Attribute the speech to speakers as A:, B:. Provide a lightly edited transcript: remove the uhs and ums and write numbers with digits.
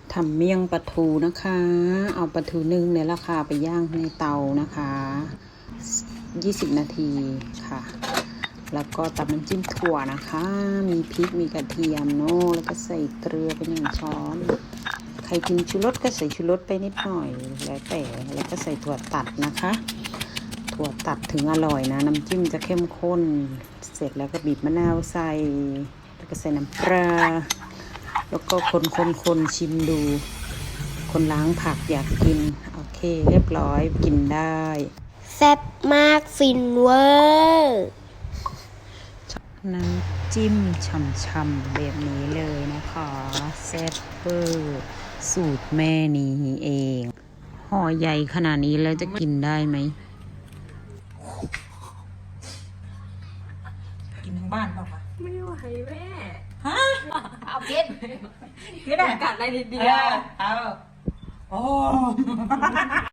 A: ทำเมี่ยงปลาทูนะคะ เอาปลาทูนึ่งในราคาไปย่างในเตานะคะ20 นาทีค่ะ แล้วก็ตำน้ำจิ้มถั่วนะคะ มีพริกมีกระเทียมเนาะแล้วก็ใส่เกลือไป1 ช้อน ใครกินชูรสก็ใส่ชูรสไปนิดหน่อยแล้วแต่แล้วก็ใส่ถั่วตัดนะคะ ถั่วตัดถึงอร่อยนะน้ำจิ้มจะเข้มข้นเสร็จแล้วก็บีบมะนาวใส่แล้วก็ใส่น้ำปลาแล้วก็คนชิมดูคนล้างผักอยากกินโอเคเรียบร้อยกินได้
B: แซ่บมากฟินเวอร์
A: น้ำจิ้มช่ำๆแบบนี้เลยนะคะแซ่บเวอร์สูตรแม่นี้เองห่อใหญ่ขนาดนี้แล้วจะกินได้ไหมกินทั้งบ้านเปล่าคะ
C: ไม่ไหวแม่
A: ฮะ
C: เอากิน
A: กินได้
C: กัดอะไรนิดเดียว
A: เอาโอ้